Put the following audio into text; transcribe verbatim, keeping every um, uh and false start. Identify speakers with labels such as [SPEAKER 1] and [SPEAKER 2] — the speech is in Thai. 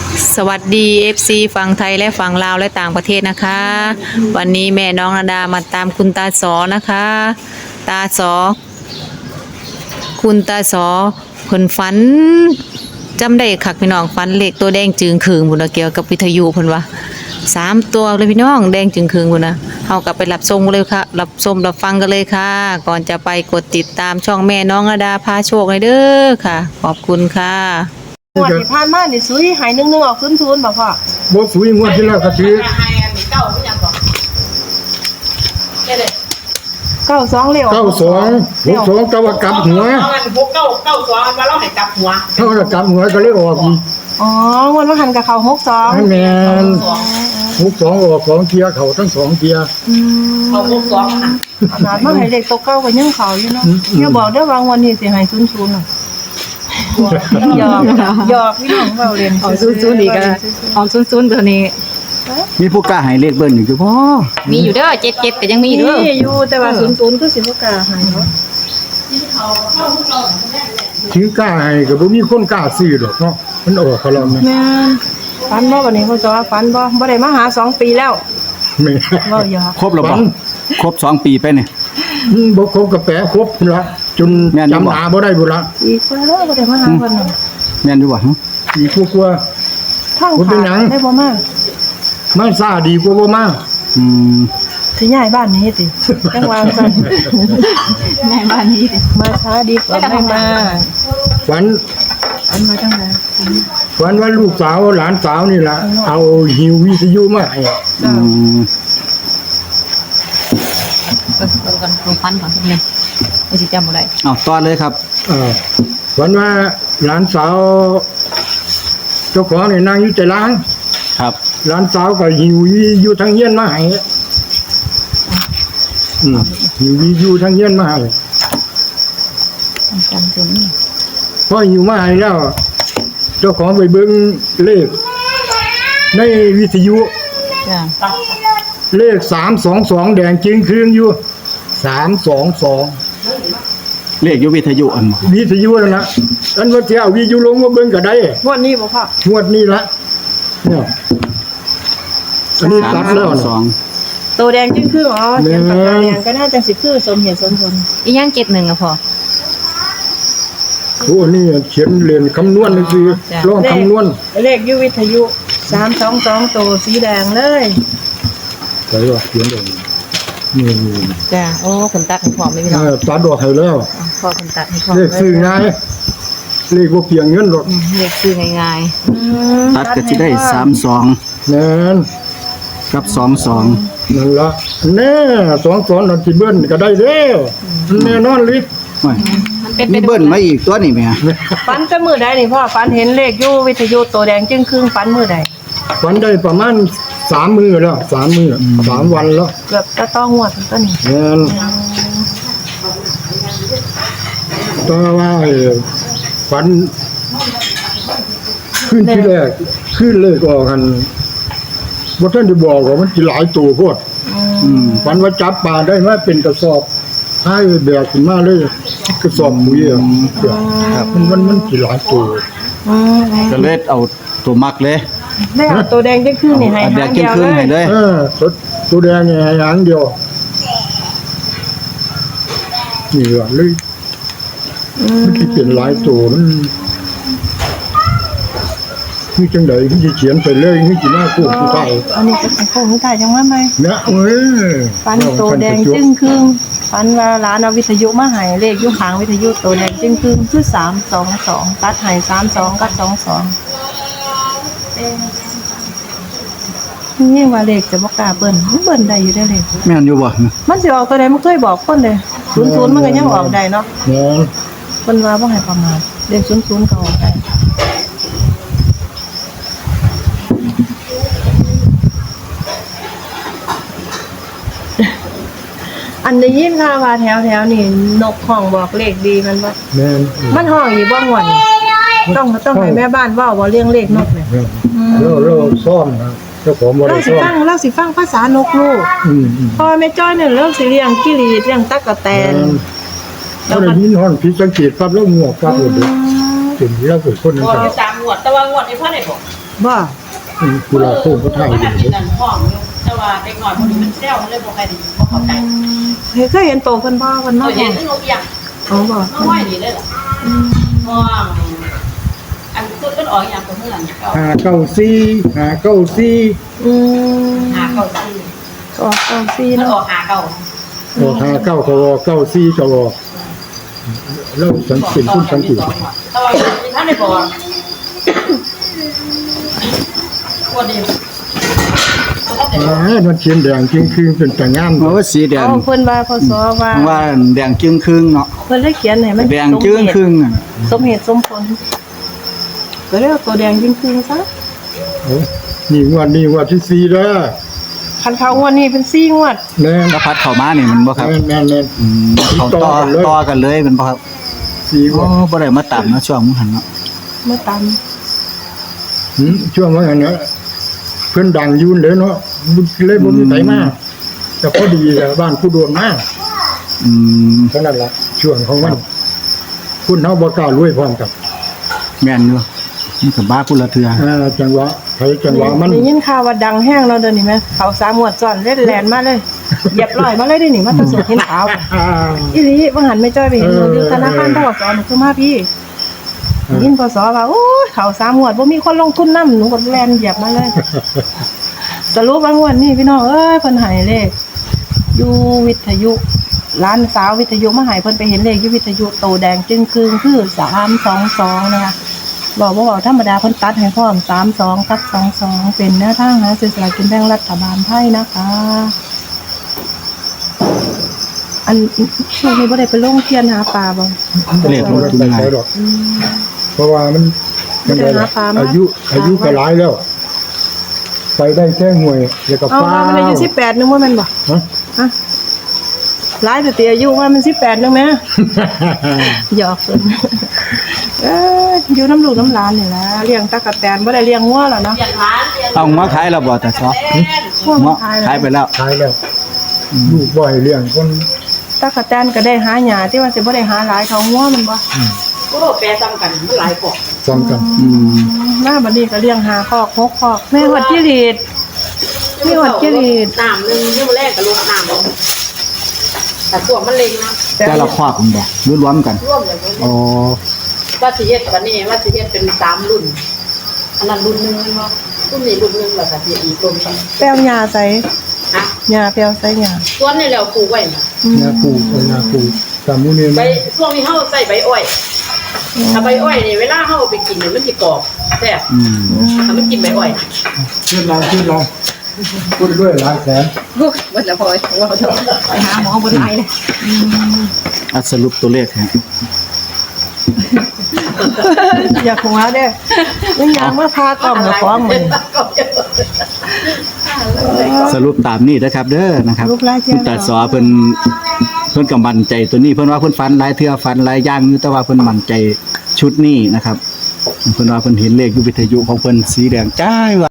[SPEAKER 1] สวัสดี เอฟ ซี ฝั่งไทยและฝั่งลาวและต่างประเทศนะคะ วันนี้แม่น้องนาดามาตามคุณตาสอนะคะ ตาสอคุณตาสอเพิ่นฝันจำได้คักพี่น้องฝันเลขตัวแดงจึงคืงพุ่นน่ะเกี่ยวกับวิทยุเพิ่นว่าสามตัวเลยพี่น้องแดงจึงคืงพุ่นน่ะเฮากลับไปรับชมกันเลยค่ะรับชมรับฟังกันเลยค่ะ ก่อนจะไปกดติดตามช่องแม่น้องนาดาพาโชคเลยเด้อค่ะ ขอบคุณค่ะ
[SPEAKER 2] งวดที่ผ่านมานี่ซุยหายหนึ่งหนึ่งออกขึ้นทุนบ่พ่อ
[SPEAKER 3] บ่สุยงวดที่แล้วก็ซื้อ
[SPEAKER 2] เก้าสองเร็ว
[SPEAKER 3] เก้าสองหกสองก็ว่ากลับหัว
[SPEAKER 4] เอามันหกเก้าเก้าสองมาเล่าให้กลับหัว
[SPEAKER 3] เท่ากับกลับหัวก็เลยออกอีก
[SPEAKER 2] อ๋องวดว่าหันกับเขาหกสอง
[SPEAKER 3] แม่นหกสองออกสองเทียเขาทั้งสองเทีย
[SPEAKER 4] เขาหกสองอ่ะ
[SPEAKER 2] ขนาดมาให้เด็กตกเก้าก็ยังเขาอยู่เนาะอย่าบอกได้วางวันนี้สิให้ศูนย์ศูนย์น่ะหยอกหยอกพี่น้องเว้าเล่น
[SPEAKER 1] เอาซุนๆอีกอ่ะเอาซุนๆตัวนี้
[SPEAKER 5] มีผู้กล้าให้เลขเบิ้ลอยู่พ่อ
[SPEAKER 1] มีอยู่เด้อเจ็ดเจ็ดก็ยังมีอยู่เด้อ
[SPEAKER 2] มีอยู่แต่ว่าศูนย์ศูนย์คือสิบ่กล้าให้เนาะ
[SPEAKER 3] ถึงกล้าให้ก็บ่มีคนกล้าซื้อดอกเนาะมันออกเขาแล้วนะ
[SPEAKER 2] แม่นฝันบ่วันนี้พ่อจ๋าฝันบ่บ่ได้มาหาสองปีแล้ว
[SPEAKER 3] แม่
[SPEAKER 2] เว้าหยอก
[SPEAKER 5] ครบแล้วบ่ครบสองปีไปเนี่ย
[SPEAKER 3] บ่ครบก็แปะครบละจนจำหาบ่ได้พุ่นละ
[SPEAKER 2] อีกแล้วบ่ได้มาหาเพิ่นน่ะ
[SPEAKER 5] แม่นอยู่บ่ฮะ
[SPEAKER 3] อีกกว่า
[SPEAKER 2] ทางขาดได้บ่มา
[SPEAKER 3] มาซ่าดีกว่าบ่มา
[SPEAKER 5] อืม
[SPEAKER 2] สิย้ายบ้านนี้ติจังหวะซั่นย้ายบ้านนี้ติมาช้าดีกว่าไม่มา
[SPEAKER 3] ฝัน
[SPEAKER 2] อันมาจังได๋
[SPEAKER 3] ฝันว่าลูกสาวหลานสาวนี่ล่ะเอาหิววิทยุมาให้
[SPEAKER 5] อืม
[SPEAKER 1] เออเอากันลงฟันก่อนทุกนึงบ่สิจำบ่ได้
[SPEAKER 5] อ้าวต่อเลยครับ
[SPEAKER 3] เออฝันว่าหลานสาวเจ้าของนี่นั่งอยู่แต่ร้าน
[SPEAKER 5] ครับ
[SPEAKER 3] หลานสาวก็หิวอยู่ทางเฮียนมาให้อืมหิวอยู่ทางเฮียนมาให้
[SPEAKER 1] จำตัวนี้
[SPEAKER 3] พอหิวมาให้แล้วเจ้าของไปเบิ่งเลขในวิทยุ
[SPEAKER 1] จ้ะ
[SPEAKER 3] เลขสามสองสองแดงจึงครึ่งอยู่สามสองสอง
[SPEAKER 5] เลขอยู่วิทยุอัน
[SPEAKER 3] วิทยุนั่นล่ะอันว่าสิเอาวิทยุลงมาเบิ่งก็ได้
[SPEAKER 2] งวดนี้บ่พ่อ
[SPEAKER 3] งวดนี้ละเนี่ยอันนี้ตัดแล้วสอง
[SPEAKER 2] ตัวแดงจึงคืออ๋อเขียนปากกาแดงก็น่าจะสิคือสมเหตุสมผล
[SPEAKER 1] อีหยังเจ็ดหนึ่งอ่ะพ่อ
[SPEAKER 3] โอ้นี่เขียนเรียนคำนวณนี่คือลองคำนวณ
[SPEAKER 2] เลขอยู่วิทยุสามสองสองตัวสีแดงเลย
[SPEAKER 3] ใส่ว่าเขียนเองนี่
[SPEAKER 1] จ้ะโอ้คนตัดให้พ่อไม่มีหรอก
[SPEAKER 3] ตัดดอกให้แล้ว
[SPEAKER 1] พ่อคนตัดให้พ่อ
[SPEAKER 3] เลขซื้อง่ายเลขบ่เพียงเงินหรอก
[SPEAKER 1] เลขซื้อง่าย
[SPEAKER 5] ๆตัดก็สิได้สามสอง
[SPEAKER 3] แม่น
[SPEAKER 5] กับสองสอง
[SPEAKER 3] นั่นล่ะแน่สองสองนั่นสิเบิ้ลก็ได้แล้วแน่นอนลิ
[SPEAKER 5] มันเป็นมีเบิ้ลมาอีกตัวนี่แม่
[SPEAKER 2] ฟันแต่มื้อใดนี่พ่อฟันเห็นเลขอยู่วิทยุตัวแดงจึงครึ่งฟันมื้อใด
[SPEAKER 3] ฟันได้ประมาณสามมื้อแล้วสามมื้อสามวันแล้ว
[SPEAKER 2] เกือบจะต้องงวดต้นนี้
[SPEAKER 3] แม่นต่อว่าฟันขึ้นที่แรกขึ้นเลยก็กันบ่ทันได้บอกว่ามันสิหลายตัวโพดอืมฟันว่าจับปลาได้มาเป็นกระสอบให้แบกขึ้นมาเลยกระสอบปุ๋ยอ่ะครับมันมันมันสิหลายตัว
[SPEAKER 2] อืม
[SPEAKER 5] ก็เลยเอาตัวมักเลย
[SPEAKER 2] ได้เอาตัวแดงจึงครึ่งนี่ให้หางเดียว
[SPEAKER 5] เลย
[SPEAKER 3] เออตัวแดงนี่ให้หางเดียวนี่ว่าเลยมันสิเป็นหลายตัวมันนี่จังได๋ที่สิเขียนไปเลยนี่สิมาคู่ผู้ไทย
[SPEAKER 2] อันนี้เป็นโค้งผู้ไทยจังว่าไหม
[SPEAKER 3] เนี่ยเอ้ย
[SPEAKER 2] ฟันตัวแดงจึ้งครึ่งฟันว่าร้านเอาวิทยุมาให้เลขอยู่หางวิทยุตัวแดงจึ้งครึ่งคือสามสองสองตัดให้สามสองกับสองสองนี่ว่าเลขจะบ่กล้าเบิ้ลเบิ้ลได้อยู่ได้เลข
[SPEAKER 5] แม่นอยู่บ่
[SPEAKER 2] มันสิออกตัวใดมันเคยบอกคนเลยศูนย์ศูนย์มันก็ยังออกได้เนาะ
[SPEAKER 3] แม่น
[SPEAKER 2] เพิ่นว่าบ่ให้ประมาทเลขศูนย์ศูนย์ก็ออกได้อันได้ยินค่ะว่าแถวๆนี่นกห้องบอกเลขดีมันบ่
[SPEAKER 3] แม่น
[SPEAKER 2] มันห้องอีบ่ม่วนต้องต้องให้แม่บ้านเว้าบ่เรื่องเลขนกเนี่ย
[SPEAKER 3] เราเราซ่อมนะเจ้าของบ่ได้ซ่อม
[SPEAKER 2] เราสิฟังเราสิฟังภาษานกลูก
[SPEAKER 3] อืม
[SPEAKER 2] พอแม่จ้อยเนี่ยเรื่องสิเลี้ยงกิริตเลี้ยงตั๊กแตน
[SPEAKER 3] แล้วก็ยินฮ้อนผิดสังเกตปั๊บแล้วงวกปั๊บเลยถึงแล้วก็คนนั้น
[SPEAKER 4] งวดที่สามงวดแต่ว่างวดนี้พ่อได้บอก
[SPEAKER 2] บ่
[SPEAKER 3] กุหลาบโค้งก็ถ่าย
[SPEAKER 4] มัน
[SPEAKER 3] อยู่
[SPEAKER 4] นั่นนั่นห้องอยู่แต่ว่าเด็กหน่อยคนนี้มันเซลมันเลยบ่ใครดีบ่เข้าใจ
[SPEAKER 2] เฮ้ยเคยเห็นโตเพิ่นบ่เพิ่น
[SPEAKER 4] เรา
[SPEAKER 2] มา
[SPEAKER 4] เห็
[SPEAKER 2] เห็
[SPEAKER 4] น
[SPEAKER 2] น
[SPEAKER 4] ที่นกอย่าง
[SPEAKER 2] อ๋อบ่
[SPEAKER 4] น้องห้อยนี่เลยเหรอห้องอันสุดมันออกอย่างตัวเมื่อไหร่เก้า
[SPEAKER 3] หาเก้าซี่หาเก้าซี่
[SPEAKER 2] อืม
[SPEAKER 4] หาเก้าสี่
[SPEAKER 2] ก็ออกเก้าสี่
[SPEAKER 4] มัน
[SPEAKER 2] เนาะ
[SPEAKER 4] ออกหาเก้า
[SPEAKER 3] โอ้หาเก้าก็ออกเก้าซี่ก็ออกแล้วสังเกตคุณสังเกต
[SPEAKER 4] แต่ว่าท่านได้บอกว่าดี
[SPEAKER 3] อ่ามันเขียนแดงจริงคือเป็นแต่งาม
[SPEAKER 5] เพราะว่าสีแดง
[SPEAKER 2] อ๋อเพิ่นว่าพศว่า
[SPEAKER 5] ว่าแดงจึงครึ่งเนาะ
[SPEAKER 2] เพิ่นเลยเขียนให้มัน
[SPEAKER 5] แดงจึงครึ่งอะ
[SPEAKER 2] สมเหตุสมผลก็เรียกว่าตัวแดงจริงๆซะ
[SPEAKER 3] โอ้นี่งวดนี้งวดที่สี่แล้ว
[SPEAKER 2] คันเขางวดนี้เป็นสี่งวด
[SPEAKER 3] แน่น
[SPEAKER 5] แล้วพัดเข้ามานี่มันบ่ครับ
[SPEAKER 3] แน่นแน่นแน่น
[SPEAKER 5] อืมเขาต่อต่อกันเลยเป็นบ่ครับ
[SPEAKER 3] สี่ง
[SPEAKER 5] โอ้
[SPEAKER 3] วด
[SPEAKER 5] บ่ได้มาตามเนาะช่วงมื้อหันเนาะ
[SPEAKER 2] เมื่อตาม
[SPEAKER 3] หืมช่วงว่าอันเนี้ยเพิ่นดังอยุ่นเลยเนาะเลยบ่มีไผมาแต่พอดีแหละบ้านผู้โดนมา
[SPEAKER 5] อืม
[SPEAKER 3] เท่านั้นล่ะช่วงของมันคุณเฮาบ่กล้ารวยพร้อมกับ
[SPEAKER 5] แม่นอยู่มันก็บ้าพุ่นละเทื่อ
[SPEAKER 3] อ่าจังหวะไผจังหวะมัน
[SPEAKER 2] ได้ยินข่าวว่าดังแห้งเราเดินนี่ไหมเขาสามงวดซ้อนเล่นแลนมาเลยเหยียบร้อยมาเลยได้นี่มาตะสดเห็นขาว
[SPEAKER 3] อ่า
[SPEAKER 2] อีหลีบางหันไม่จ้อยไปเห็นหนูอยู่ธนาคารทกสหนูคือมาพี่ยินพศว่าโอ้ยเขาสามงวดบ่มีคนลงทุนนำหนูก็แลนเหยียบมาเลย สรุปว่างวดนี้พี่น้องเอ้ยเพิ่นให้เลขอยู่วิทยุร้านสาววิทยุมาให้เพิ่นไปเห็นเลขอยู่วิทยุโตแดงจึงครึ่งคือสามสองสองนะคะบอกว่าบอกธรรมดาเพิ่นตัดให้พร้อมสามสองตัดสองสองเป็นแนวทางหาซื้อสลากกินแบ่งรัฐบาลไทยนะคะ อันช่วงนี้บ่ได้ไปลงเทียนหาปลาบ่
[SPEAKER 5] เลขลงทุน
[SPEAKER 3] ไป
[SPEAKER 5] ง่าย
[SPEAKER 3] ใช้ดอกเพราะว่ามันมันได้ล่ะอายุอายุก็หลายแล้ว ไปได้แค่หน่วยแล้วก็
[SPEAKER 2] เอา
[SPEAKER 3] ฟ้า
[SPEAKER 2] ว่ามันอายุสิบแปดนึงว่าแม่นบ่
[SPEAKER 3] ฮะ
[SPEAKER 2] ฮะหลายแต่ตีอายุว่ามันสิบแปดนึงแม่ หยอกเพิ่น เอ้ยอยู่น้ำลูกน้ำหลานนี่ล่ะเลี้ยงตะกะแตนบ่ได้เลี้ยงงัวแล้วเนาะ
[SPEAKER 4] อย่างร้านอย่าง
[SPEAKER 5] เอามาขายแล้วบ่แต่ซอ
[SPEAKER 2] งัวมัน
[SPEAKER 5] เนาะ
[SPEAKER 2] ตาย
[SPEAKER 5] ขายไปแล้ว
[SPEAKER 3] ขายแล้วลูกบ่อยเลี้ยงคน
[SPEAKER 2] ตะกะแตนก็ได้หาหญ้าที่ว่าสิบ่ได้หาหลายเท่างัวมันบ่
[SPEAKER 4] ก็แปรซ้ำกันมันหลายกว่า
[SPEAKER 3] ซ้ำกัน
[SPEAKER 5] อืม
[SPEAKER 2] มาบัดนี้ก็เลี้ยงหาคอกหกคอกแม่ฮอดจิรีดมีฮอดจิรีด
[SPEAKER 4] น้ำหนึ่งที่มันแรกกับลงน้ำลงแต่ส่วนมันเล็งนะ
[SPEAKER 5] แต่ละครอบมันบ่รวมๆกัน
[SPEAKER 4] ร่วมอย่างนี้
[SPEAKER 5] อ๋อ
[SPEAKER 4] ว่าสิเฮ็ดวันนี้ว่าสิเฮ็ดเป็นสามรุ่น อันนั้นรุ่นหนึ่งมันว่ารุ่นนี้รุ่นหนึ่งแล้วก็สิอีกรุ่นกัน
[SPEAKER 2] แป้วหญ้าใส่
[SPEAKER 4] ฮะ
[SPEAKER 2] หญ้าแป้วใส่หญ้า
[SPEAKER 4] ส่วนนี้แล้วปลูกไว้นะ
[SPEAKER 3] นาปูเออนาปูสามุนี
[SPEAKER 4] ใบ
[SPEAKER 3] มัน
[SPEAKER 4] ช่วงนี้เฮาใส่ใบอ้อยถ้าใบอ้อยนี่เวลาเฮาเอาไปกินเนี่ยมันสิกรอบแซ่บ
[SPEAKER 5] อืม
[SPEAKER 4] ถ้ามันกินใบอ้อย
[SPEAKER 3] เชื่อเราเชื่อเราพูดด้วยหลายแสน
[SPEAKER 4] วันละพอยว่าไปหาหมอบนไอเลย
[SPEAKER 5] อ่ะสรุปตัวเลขฮะ
[SPEAKER 2] อยากหัวเด้อมันอยากมาพากล่อมกับของมัน
[SPEAKER 5] สรุปตามนี้นะครับ เด้อนะครับ
[SPEAKER 2] รูปลายเทีย
[SPEAKER 5] คุ
[SPEAKER 2] น
[SPEAKER 5] ณตาสอเพิ่นเพิ่นก็มั่นใจตัวนี้เพิ่นว่าเพิ่นฝันหลายเทื่อฝันหลายอย่างอยู่แต่ว่าเพิ่นมั่นใจชุดนี้นะครับเพิ่นว่าเพิ่นเห็นเลขอยู่วิทยุของเพิ่นสีแดงจ้ายว่า